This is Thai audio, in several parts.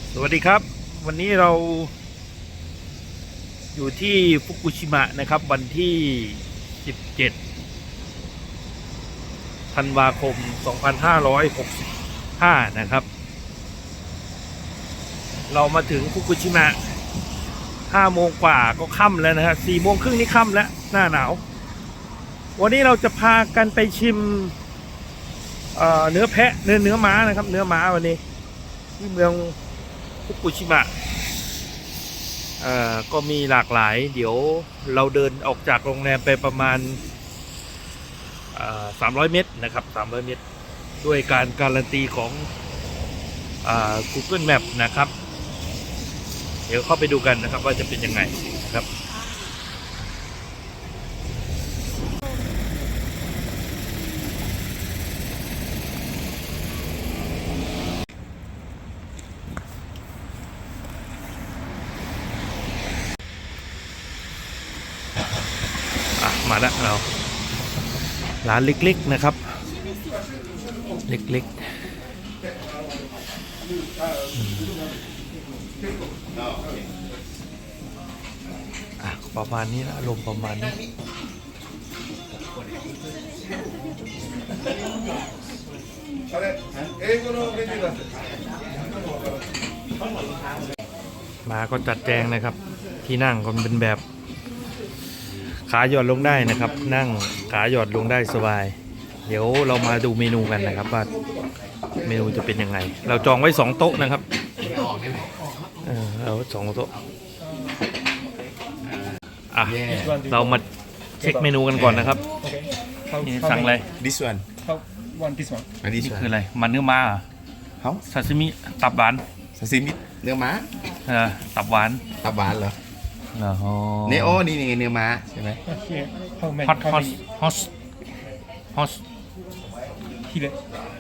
สวัสดีครับวันนี้เราอยู่ที่ฟุกุชิมะนะครับวันที่ 17 ธันวาคม 2565 นะครับเรามาถึงฟุกุชิมะ 5 โมงกว่าก็ค่ำแล้วนะครับ 4 โมงครึ่งนี่ค่ำแล้วหน้าหนาววันนี้เราจะพากันไปชิมเนื้อแพะเนื้อม้านะครับเนื้อม้าวันนี้ที่เมืองฟุกุชิมะก็มีหลากหลายเดี๋ยวเราเดินออกจากโรงแรมไปประมาณ300 เมตรนะครับ300 เมตรด้วยการการันตีของGoogle Map นะครับเดี๋ยวเข้าไปดูกันนะครับว่าจะเป็นยังไงนะครับมาแล้วเราร้านเล็กๆนะครับเล็กๆประมาณนี้นะอารมณ์ประมาณนี้มาก็จัดแจงนะครับที่นั่งก็เป็นแบบขาหย่อนลงได้นะครับนั่งขาหย่อนลงได้สบายเดี๋ยวเรามาดูเมนูกันนะครับว่าเมนูจะเป็นยังไงเราจองไว้2 โต๊ะนะครับเรา2 โต๊ะเรามาเช็คเมนูกันก่อนนะครับนี่สั่งอะไร This one this one นี่คืออะไรมันเนื้อม้าซาซิมิตับหวานซาซิมิเนื้อม้าตับหวานตับหวานเหรอเนโอนี่เนื้อม้าใช่ไหมฮอส Here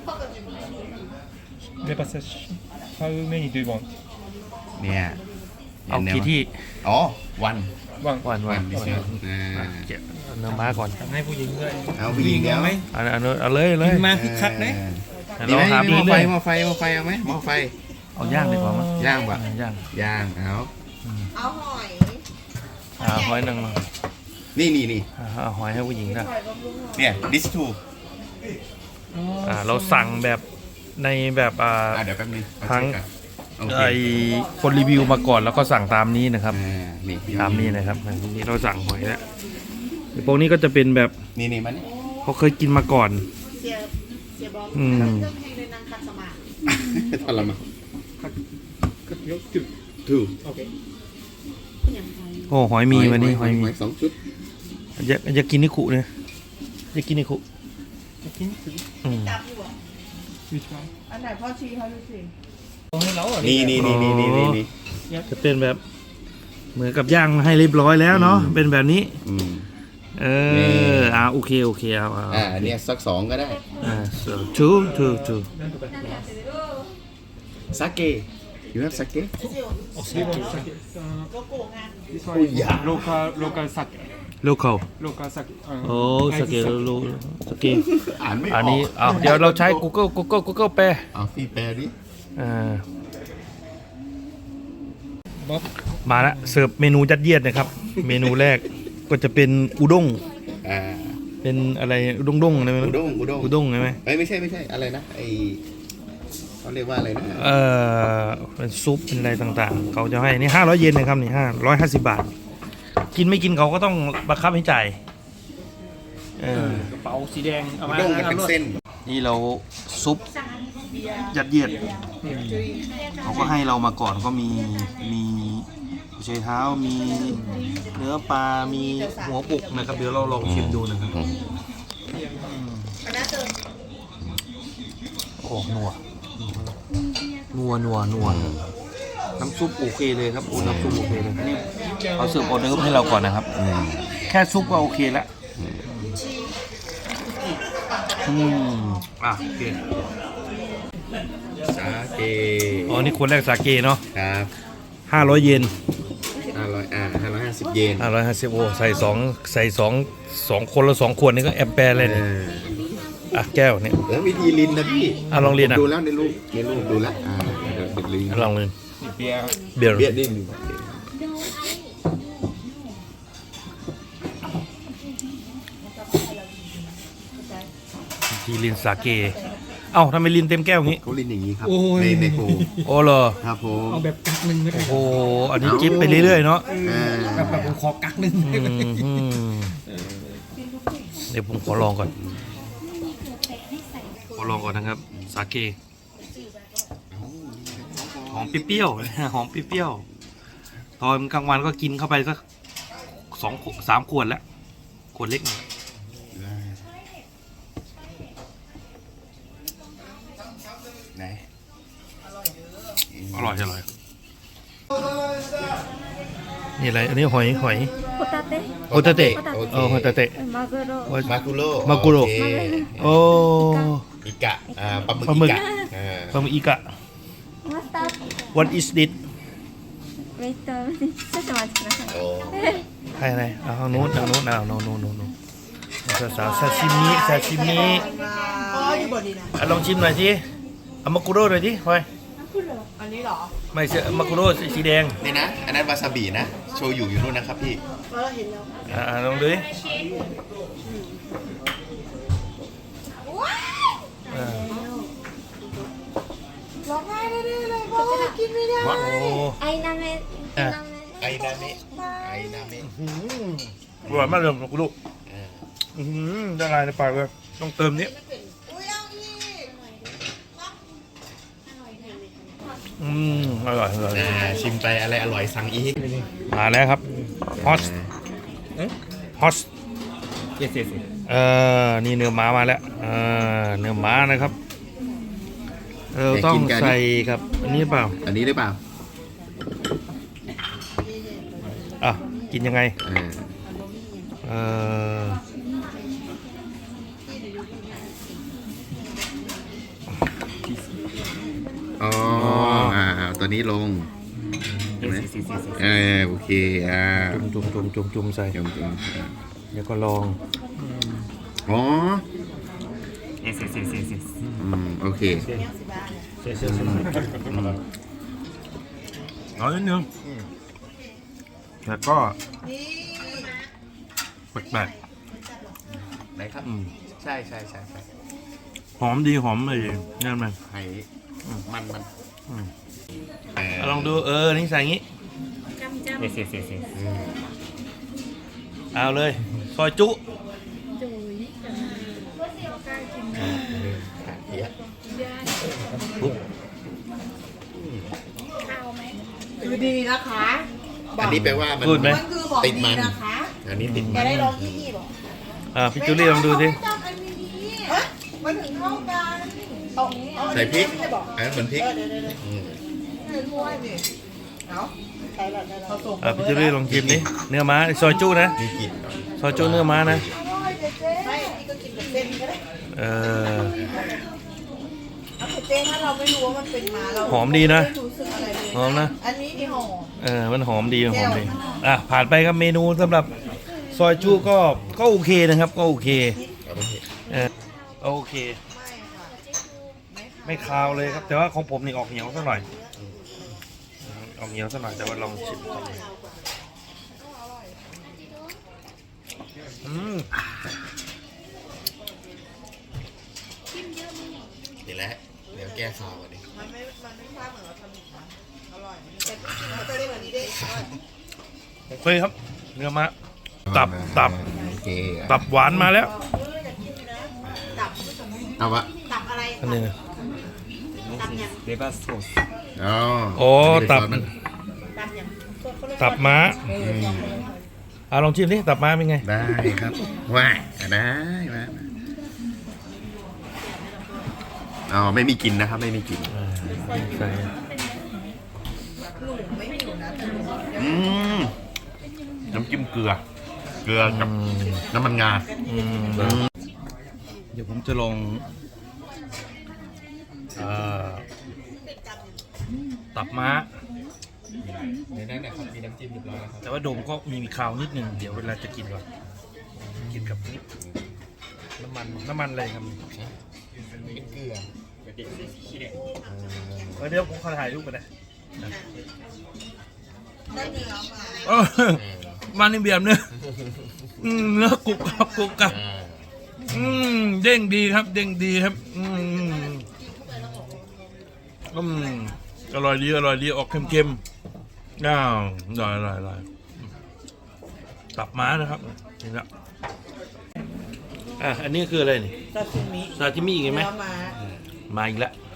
Lebasashi How many do you want เนี่ยเอากี่ที่อ๋อวันวันเนื้อม้าก่อนให้ผู้หญิงด้วยเอาผู้หญิงเอาไหมเอาเลยมาคึกคักนะดีไหมหม้อไฟเอาไหมหม้อไฟเอาย่างดีกว่ามั้ยย่างปะย่างเอาหอยนึงนี่หอยให้ผู้หญิงนะเนี่ย this two เราสั่งแบบในแบบเดี๋ยวแป๊บนึงทั้งคนรีวิวมาก่อนแล้วก็สั่งตามนี้นะครับตามนี้นะครับนี่เราสั่งหอยแล้วพวกนี้ก็จะเป็นแบบนี่มันเขาเคยกินมาก่อนทรมานถูกโอ้หอยมีวันนี้หอยมี 2 ชุดอยากกินนิคุเนี่ยอยากกินนิคุอันไหนพ่อชี้เขาดูสินี่จะเป็นแบบเหมือนกับย่างให้เรียบร้อยแล้วเนาะเป็นแบบนี้โอเคเอาเนี่ยสัก2ก็ได้ two sake you have sake local sake local โอ้สเกลอันนี้เดี๋ยวเราใช้ Google แปลพี่แปลดิมาแล้วเสิร์ฟเมนูยัดเยียดนะครับเมนูแรกก็จะเป็นอุด้งเป็นอะไรอุด้งอะไรอุด้งใช่ไหมไม่ใช่อะไรนะเขาเรียกว่าอะไรนะเป็นซุปเป็นอะไรต่างๆเขาจะให้นี่500 เยนนะครับนี่550 บาทกินไม่กินเขาก็ต้องบังคับให้จ่ายกระเป๋าสีแดงเอามาเป็นเส้นนี่เราซุปยัดเยียดเขาก็ให้เรามาก่อนก็มีเชยเท้ามีเนื้อปลามีหัวปุกนะครับเดี๋ยวเราลองชิมดูนะครับโอ้นัวน้ำซุปโอเคเลยครับน้ำซุปโอเคเลยนี่เขาเสิร์ฟออเดอร์ให้เราก่อนนะครับแค่ซุปก็โอเคแล้วโอเคสาเกนี่คนแรกสาเกเนาะครับ 500 เยน 550 เยน 550โอ้ใส่2คนละ2 ขวดนี่ก็แอมแปร์เลยเนี่ยแก้วเนี่ยแล้ววิธีลินนะพี่ลองลินดูแล้วในรูปดูแล้วเดี๋ยวลินลองลินเบียร์เบียร์เบียดดิ้งทีลินสาเก เอ้าทำไมลินเต็มแก้วอย่างงี้เขาลินอย่างนี้ครับโอ้ยในโพโอ้เหรอครับผมเอาแบบกักหนึ่งไม่ได้โอ้โหอันนี้จิ๊บไปเรื่อยๆเนาะแบบผมขอกักหนึ่งอืมเดี๋ยวผมขอลองก่อน ขอลองก่อนนะครับ สาเก หอมเปรี้ยวๆ หอมเปรี้ยวๆ ตอนกลางวันก็กินเข้าไปสัก3 ขวดแล้ว ขวดเล็กหน่อยไหนอร่อยนี่อะไร อันนี้หอยホタテโอตาเตะホタโอテเคโอตาเตะマグロมากุโร่มากุโร่โอเคโอ้อิกะปลาหมึกปลาหมึกอิกะปลาหมึกอีกะマスター What is this ウェイト少々お待ちくださいโอ้ให้อะไรเอาทางนู้นเอาโน่นสาวซาชิมิอ๋ออยู่บนนี้นะอ่ะลองชิมหน่อยสิเอามากุโร่หน่อยสิพลอยอันนี้เหรอไม่ใช่มากุโร่สีแดงนี่นะ อันนั้นวาซาบินะ โชยุอยู่นู่นนะครับพี่เห็นแล้วลองดูดิอ่าร้องไห้ได้เลยเพราะว่ากินไม่ได้โอ้アイナメอ่ะไอนาเมะไอนาเมะอร่อยมากเลยมากุโร่เออละลายในปากเลยต้องเติมนี้อุ้ยเอาอีกอร่อยชิมไปอะไรอร่อยสั่งอีกมาแล้วครับฮอสเยสนี่เนื้อม้ามาแล้วเนื้อม้านะครับต้องใส่กับอันนี้เปล่าอันนี้หรือเปล่าอ่ะกินยังไงเอออ๋อตัวนี้ลงเห็นไหมโอเคจุ่มใส่จุ่มเดี๋ยวก็ลองอ๋อเยสโอเคเอานิดนึงแล้วก็แปลกไหนครับ ใช่หอมดีหอมเลยนั่นมันไข่มันลองดูนี่ใส่งี้เยสเอาเลยซอยจุเหี้ยคือดีนะคะอันนี้แปลว่ามันพูดไหมมันคือของติดดีมันนะคะอันนี้ติดแกมันได้ร้องที่นี่บอกพี่จูลี่ลองดูสิจับอันนี้ฮะมันถึงเท่ากันเอาใส่พริกไม่ได้บอกอันนั้นเหมือนพริกเดี๋ยวไม่ถ้วยนี่เอาใส่แบบผสมพี่จูลี่ลองชิมดิเนื้อม้าซอยจุนะมีกลิ่นหน่อยซอยจุเนื้อม้านะอร่อยเจ๊ไม่พี่ก็กินกับเส้นก็ได้ เอาแต่เจ๊ถ้าเราไม่รู้ว่ามันเป็นม้าเราหอมดีนะไม่รู้สึกอะไรเลยหอมนะอันนี้นี่หอมมันหอมดีผ่านไปครับเมนูสำหรับซอยจุก็โอเคนะครับก็โอเคเอาไปเถอะโอเค ไม่คาวเลยครับ แต่ว่าของผมนี่ออกเหนียวสักหน่อยออกเหนียวสักหน่อยแต่ว่าลองชิมก่อนนี่แหละเดี๋ยวแก้ข่าวอันนี้มันไม่พลาดเหมือนเราทำอีกนะอร่อยแต่เขาจะได้แบบนี้ได้โอเคครับ เนื้อม้าตับโอเคตับหวานมาแล้วตับเอาวะตับอะไรอันนี้นะレバーソースอ๋อโอ้ตับมันตับอย่างตับม้าลองชิมดิตับม้าเป็นไงได้ครับว้ายได้มาอ๋อไม่มีกลิ่นนะครับไม่มีกลิ่นใส่อืมน้ำจิ้มเกลือกับน้ำมันงาเดี๋ยวผมจะลองตับม้าในนั้นนะครับมีน้ำจิ้มเรียบร้อยแล้วครับแต่ว่าโดมก็มีคาวนิดนึงเดี๋ยวเวลาจะกินก่อนกินกับนี่น้ำมันอะไรครับเป็นเกลือเดี๋ยวผมขอถ่ายรูปกันนะได้เนื้อมาเออมันนี่เบียบเนื้อเนื้อกรุบกรับกรุบกรับเด้งดีครับ เด้งดีครับอร่อยดีอร่อยดีออกเค็มๆอร่อยตับม้านะครับนี่ละอันนี้คืออะไรนี่ซาซิมิซาชิมิอีกไหมเนื้อม้ามาอีกแล้ว